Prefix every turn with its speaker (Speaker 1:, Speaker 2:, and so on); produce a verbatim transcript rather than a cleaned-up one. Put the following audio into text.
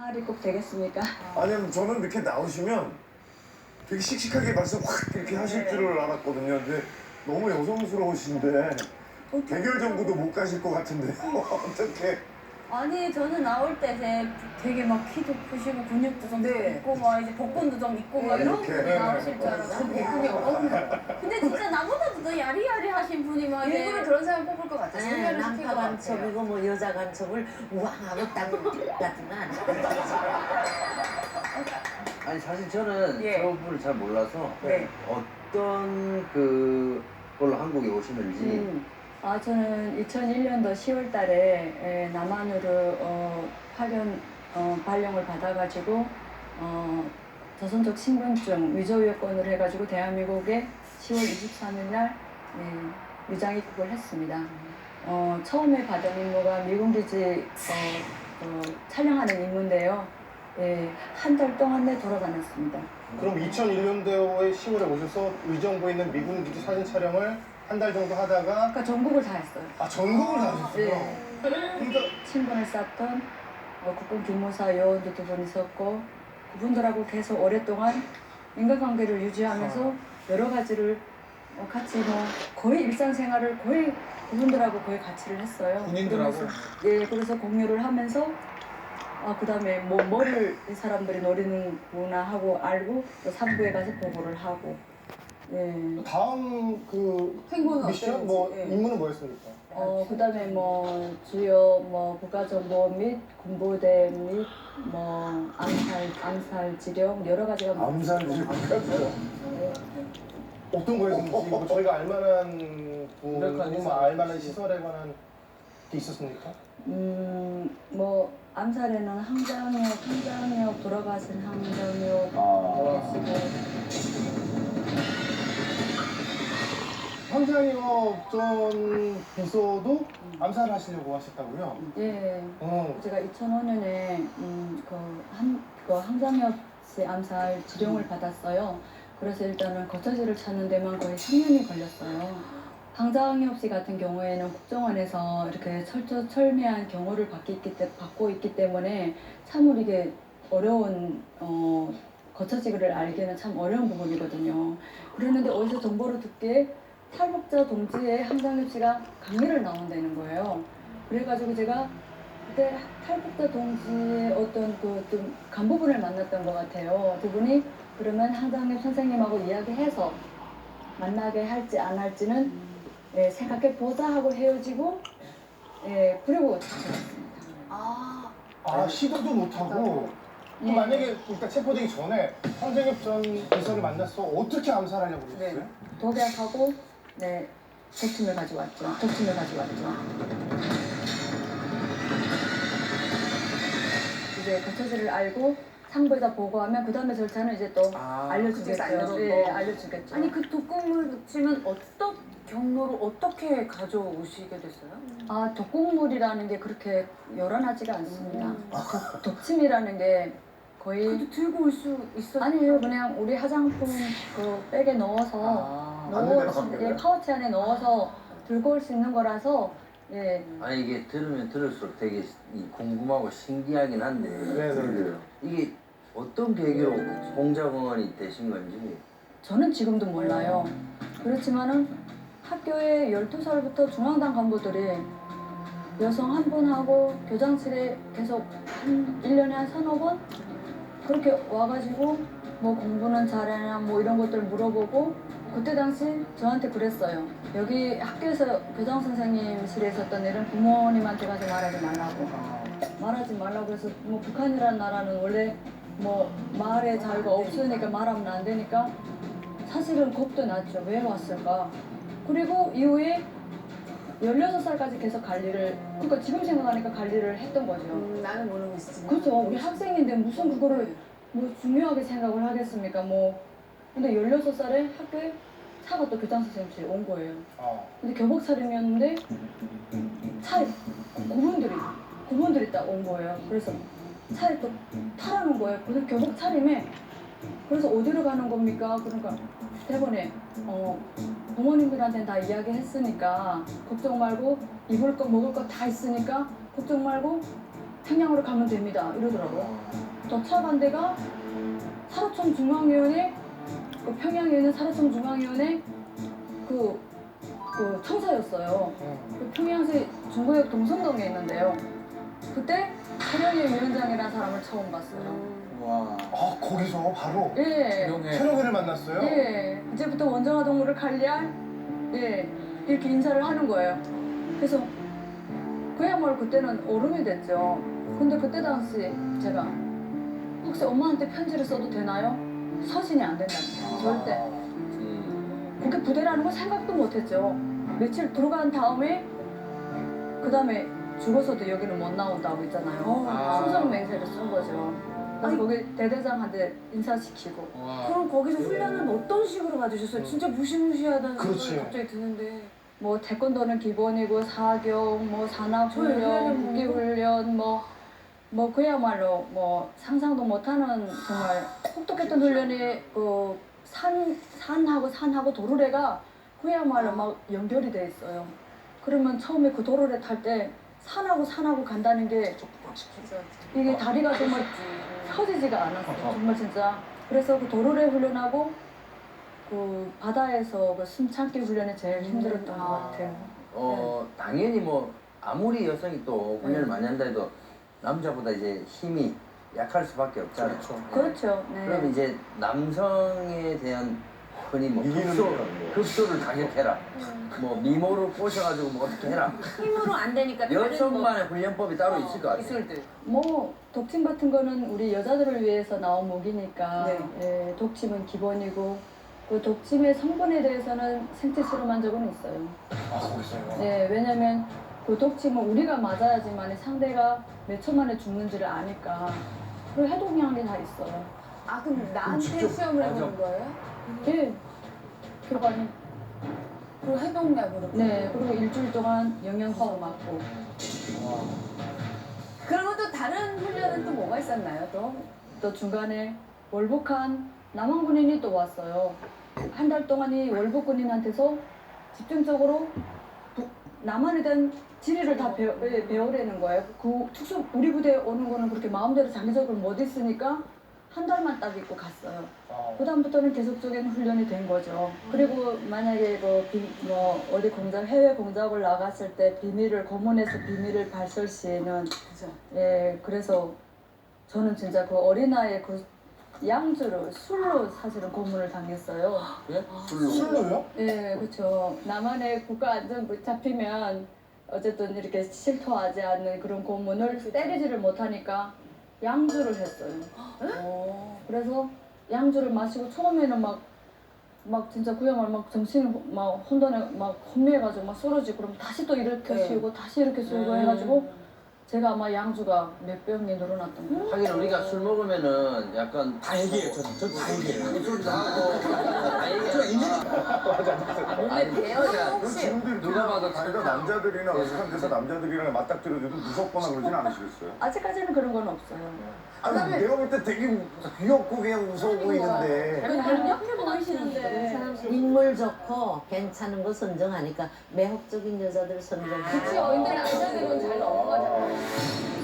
Speaker 1: 말이 꼭 되겠습니까?
Speaker 2: 아니면 저는 이렇게 나오시면 되게 씩씩하게 말씀 확 이렇게 하실 줄을 알았거든요. 근데 너무 여성스러우신데 대결 정도도 못 가실 것 같은데 어떻게?
Speaker 1: 아니 저는 나올 때 제 되게 막 키도 크시고 근육도 좀
Speaker 3: 네.
Speaker 1: 있고 막 이제 복근도 좀 있고 막 이런
Speaker 2: 이렇게.
Speaker 1: 분이 나오실 줄 알았어요. 복근이 없는. 근데 진짜 나보다도 더 야리야리하신 분이 막 이제
Speaker 3: 일부러 그런 사람 뽑을 것 같아.
Speaker 4: 네,
Speaker 3: 소개를 시킨
Speaker 4: 남파
Speaker 3: 것 같아요.
Speaker 4: 간첩이고 뭐 여자 간첩을 우왕하고 딱 같지만
Speaker 5: 아니 사실 저는
Speaker 3: 예.
Speaker 5: 저분을 잘 몰라서
Speaker 3: 네.
Speaker 5: 어떤 그 걸로 한국에 오시는지
Speaker 1: 음. 아 저는 이천일 년도 시월 달에 에, 남한으로 어, 파견 어, 발령을 받아가지고 어, 조선족 신분증 위조 여권으로 해가지고 대한민국에 시월 이십삼일 날 예, 유장 입국을 했습니다. 어, 처음에 받은 임무가 미군 기지 어, 어, 촬영하는 임무인데요. 예, 한 달 동안 내 돌아다녔습니다.
Speaker 6: 그럼 이천일 년도에 시월에 오셔서 의정부에 있는 미군 기지 사진 촬영을 한 달 정도 하다가
Speaker 1: 그러니까 전국을 다 했어요.
Speaker 6: 아 전국을 다 하셨어요?
Speaker 1: 예.
Speaker 6: 그러니까
Speaker 1: 친분을 쌓던 어, 국군 기무사 요원도 두 분 있었고 그분들하고 계속 오랫동안 인간관계를 유지하면서 여러 가지를 어, 같이 뭐 거의 일상생활을 거의 그분들하고 거의 같이를 했어요.
Speaker 6: 군인들하고?
Speaker 1: 그러면서, 예, 그래서 공유를 하면서 아, 그 다음에 뭐 뭐를 이 사람들이 노리는구나 하고 알고 또 삼부에 가서 보고를 하고 예.
Speaker 6: 다음 그
Speaker 3: 행보는
Speaker 6: 미션
Speaker 3: 어땠는지,
Speaker 6: 뭐
Speaker 3: 예.
Speaker 6: 임무는 뭐였습니까?
Speaker 1: 어, 그 다음에 뭐, 주요, 뭐, 국가정보 및 군부대 및, 뭐, 암살, 암살 지령, 여러 가지가 많
Speaker 2: 암살 지금
Speaker 1: 네.
Speaker 6: 어떤 거였는지 뭐 저희가 알만한 분,
Speaker 7: 명확하게
Speaker 6: 뭐 알만한 시설에 관한 게 있었습니까?
Speaker 1: 음, 뭐, 암살에는 항장역, 항장역, 돌아가신 항장역
Speaker 2: 아.
Speaker 1: 계시고,
Speaker 6: 황장혁 전 비서도 암살을 하시려고 하셨다고요?
Speaker 1: 예.
Speaker 6: 어.
Speaker 1: 제가 이천오 년에, 음, 그, 한, 그 항장역 씨 암살 지령을 받았어요. 그래서 일단은 거처지를 찾는 데만 거의 삼 년이 걸렸어요. 황장엽 씨 같은 경우에는 국정원에서 이렇게 철저 철미한 경호를 받기 있기 때, 받고 있기 때문에 참으로 이게 어려운 어, 거처지를 알기는 참 어려운 부분이거든요. 그랬는데 어디서 정보를 듣기에 탈북자 동지의 황장엽 씨가 강의를 나온다는 거예요. 그래가지고 제가 그때 탈북자 동지의 어떤 그 좀 간부분을 만났던 것 같아요. 두 분이 그러면 황장엽 선생님하고 이야기해서 만나게 할지 안 할지는 예, 생각해 보자 하고 헤어지고 예, 그리고 찾아왔습니다.
Speaker 3: 아,
Speaker 6: 아 시도도 못하고
Speaker 1: 예.
Speaker 6: 그럼 만약에 일단 체포되기 전에 황장혁 전 비서를 만났어 어떻게 암살하려고 그랬어요?
Speaker 3: 네.
Speaker 1: 독약하고 네, 독침을 가지고 왔죠. 독침을 가지고 왔죠. 이제 거처지를 알고 상부에다 보고하면 그 다음에 절차는 이제 또
Speaker 3: 아,
Speaker 1: 알려주겠죠.
Speaker 3: 그쪽에서 알려주고.
Speaker 1: 예, 알려주겠죠.
Speaker 8: 아니 그 독극물 독침은 어떤 경로로 어떻게 가져오시게 됐어요?
Speaker 1: 아, 독극물이라는 게 그렇게 요란하지가 않습니다.
Speaker 8: 음.
Speaker 1: 독, 독침이라는 게 거의
Speaker 8: 그래도 들고 올 수 있었어요?
Speaker 1: 아니에요. 그냥 우리 화장품 그 백에 넣어서
Speaker 3: 아.
Speaker 2: 안에
Speaker 1: 넣어
Speaker 2: 넣는
Speaker 1: 예,
Speaker 2: 거예요?
Speaker 1: 파우치 안에 넣어서 들고 올 수 있는 거라서 예.
Speaker 5: 아니 이게 들으면 들을수록 되게 이 궁금하고 신기하긴 한데
Speaker 6: 네, 네.
Speaker 5: 이게 어떤 계기로 공작원이 되신 건지
Speaker 1: 저는 지금도 몰라요. 그렇지만은 학교에 열두 살부터 중앙당 간부들이 여성 한 분하고 교장실에 계속 한 일 년에 한 서너 번 그렇게 와가지고 뭐 공부는 잘하냐 뭐 이런 것들 물어보고 그때 당시 저한테 그랬어요. 여기 학교에서 교장 선생님실에 있었던 일은 부모님한테 가서 말하지 말라고. 말하지 말라고 해서 뭐 북한이라는 나라는 원래 뭐 말의 자유가 없으니까 말하면 안 되니까 사실은 겁도 났죠. 왜 왔을까? 그리고 이후에 열여섯 살까지 계속 관리를 그러니까 지금 생각하니까 관리를 했던 거죠.
Speaker 3: 음, 나는 모르고 있었지만.
Speaker 1: 그렇죠. 우리 학생인데 무슨 그거를 뭐 중요하게 생각을 하겠습니까? 뭐 근데 열여섯 살에 학교에 차가 또 교장 선생님실에 온 거예요.
Speaker 6: 어.
Speaker 1: 근데 교복 차림이었는데 차에 그분들이 그분들이 딱 온 거예요. 그래서 차에 또 타라는 거예요. 그래서 교복 차림에 그래서 어디로 가는 겁니까? 그러니까 대본에 어, 부모님들한테는 다 이야기했으니까 걱정 말고 입을 거 먹을 거 다 있으니까 걱정 말고 청량으로 가면 됩니다. 이러더라고요. 더 차간 데가 사로청 중앙위원회, 그 평양에 있는 사로청 중앙위원회 그, 그 청사였어요. 그 평양시 중구역 동성동에 있는데요. 그때 최령희 위원장이라는 사람을 처음 봤어요.
Speaker 5: 와.
Speaker 6: 아 거기서 바로
Speaker 1: 예.
Speaker 6: 최령이를 만났어요?
Speaker 1: 예. 이제부터 원정화 동물을 관리할 예. 이렇게 인사를 하는 거예요. 그래서 그야말로 그때는 얼음이 됐죠. 근데 그때 당시 제가 혹시 엄마한테 편지를 써도 되나요? 서신이 안 된다니까. 절대.
Speaker 5: 음.
Speaker 1: 그게 부대라는 걸 생각도 못했죠. 며칠 들어간 다음에 그 다음에 죽어서도 여기는 못 나온다고 있잖아요.
Speaker 8: 아.
Speaker 1: 충성 맹세를 쓴 거죠. 그래서 거기 대대장한테 인사시키고.
Speaker 8: 그럼 거기서 훈련은 어떤 식으로 받으셨어요? 진짜 무시무시하다는
Speaker 6: 그렇지.
Speaker 8: 생각이 갑자기 드는데.
Speaker 1: 뭐 태권도는 기본이고 사격, 뭐 산악
Speaker 8: 저희
Speaker 1: 훈련,
Speaker 8: 훈련은
Speaker 1: 국기
Speaker 8: 뭐-
Speaker 1: 훈련, 뭐, 뭐 그야말로 뭐 상상도 못하는 정말 혹독했던 훈련이 그 산, 산하고 산하고 도로래가 그야말로 막 연결이 돼 있어요. 그러면 처음에 그 도로래 탈 때 산하고 산하고 간다는 게 이게 다리가 정말 펴지지가 않았어요. 정말 진짜. 그래서 그 도로래 훈련하고 그 바다에서 그 숨참기 훈련이 제일 힘들었던 것 같아요.
Speaker 5: 어 당연히 뭐 아무리 여성이 또 훈련을
Speaker 1: 네.
Speaker 5: 많이 한다 해도 남자보다 이제 힘이 약할 수밖에 없잖아요.
Speaker 6: 그렇죠.
Speaker 5: 네.
Speaker 1: 그렇죠. 네.
Speaker 5: 그럼 이제 남성에 대한 흔히 뭐
Speaker 2: 이기는
Speaker 5: 급소,
Speaker 2: 거라고.
Speaker 5: 급소를 타격해라. 뭐 미모를 꼬셔가지고 뭐 어떻게 해라.
Speaker 8: 힘으로 안 되니까 다른 뭐
Speaker 5: 여성만의 훈련법이 따로 있을 것 같아요.
Speaker 8: 기술들.
Speaker 1: 뭐 독침 같은 거는 우리 여자들을 위해서 나온 무기니까
Speaker 8: 네.
Speaker 1: 예, 독침은 기본이고 그 독침의 성분에 대해서는 생체 실험한 적은 있어요.
Speaker 6: 아 거기서요?
Speaker 1: 네, 왜냐면 그 독침은 우리가 맞아야지만 상대가 몇 초 만에 죽는지를 아니까 그리고 해독량이 다 있어요.
Speaker 3: 아 그럼 나한테
Speaker 2: 직접-
Speaker 3: 시험을
Speaker 5: 맞아.
Speaker 3: 해보는 거예요?
Speaker 1: 예, 교관이.
Speaker 3: 그리고 해독약으로.
Speaker 1: 네, 그리고 일주일 동안 영양소 맞고.
Speaker 3: 그리고 또 다른 훈련은 또 뭐가 있었나요? 또
Speaker 1: 또 중간에 월북한 남한 군인이 또 왔어요. 한 달 동안 이 월북 군인한테서 집중적으로 북, 남한에 대한 지리를 다 배워, 예, 배우려는 거예요. 그 특수 우리 부대에 오는 거는 그렇게 마음대로 장기적으로 못 있으니까 한 달만 딱 입고 갔어요.
Speaker 6: 아,
Speaker 1: 그 다음부터는 계속적인 훈련이 된 거죠. 그리고 만약에 뭐, 비, 뭐 어디 공작 해외 공작을 나갔을 때 비밀을 고문해서 비밀을 발설 시에는
Speaker 3: 그죠.
Speaker 1: 예 그래서 저는 진짜 그 어린아이의 그 양주를 술로 사실은 고문을 당했어요.
Speaker 5: 예? 술로.
Speaker 6: 술로요?
Speaker 1: 예 그렇죠. 남한의 국가 안전부 잡히면 어쨌든 이렇게 실토하지 않는 그런 고문을 때리지를 못하니까 양주를 했어요.
Speaker 3: 오.
Speaker 1: 그래서 양주를 마시고 처음에는 막, 막 진짜 그야말로 막 정신이 막 혼돈에 막 혼미해가지고 막 쓰러지고 그럼 다시 또 일으켜
Speaker 3: 네.
Speaker 1: 씌우고 다시 이렇게 씌우고 해가지고 제가 아마 양주가 몇 병이 늘어났던 거예요.
Speaker 5: 하긴 우리가 술 먹으면은 약간
Speaker 7: 다 얘기해요. 전, 전다 얘기해요.
Speaker 5: 소리도 하고 다 얘기하고.
Speaker 3: 몸에 배어서 혹시
Speaker 2: 지금도 이렇게
Speaker 5: 누가 봐도
Speaker 2: 자기가 남자들이나 어색한 데서 남자들이랑 맞닥뜨려도 무섭거나 그러진 않으시겠어요?
Speaker 1: 아직까지는 그런 건 없어요.
Speaker 2: 아니 내가 볼 때 되게 귀엽고 그냥 무서워 보이는데
Speaker 1: 강력해 보이시는데.
Speaker 4: 인물 좋고 괜찮은 거 선정하니까 매혹적인 여자들 선정.
Speaker 3: 그치 근데 남자들은 잘 넘어가잖아요.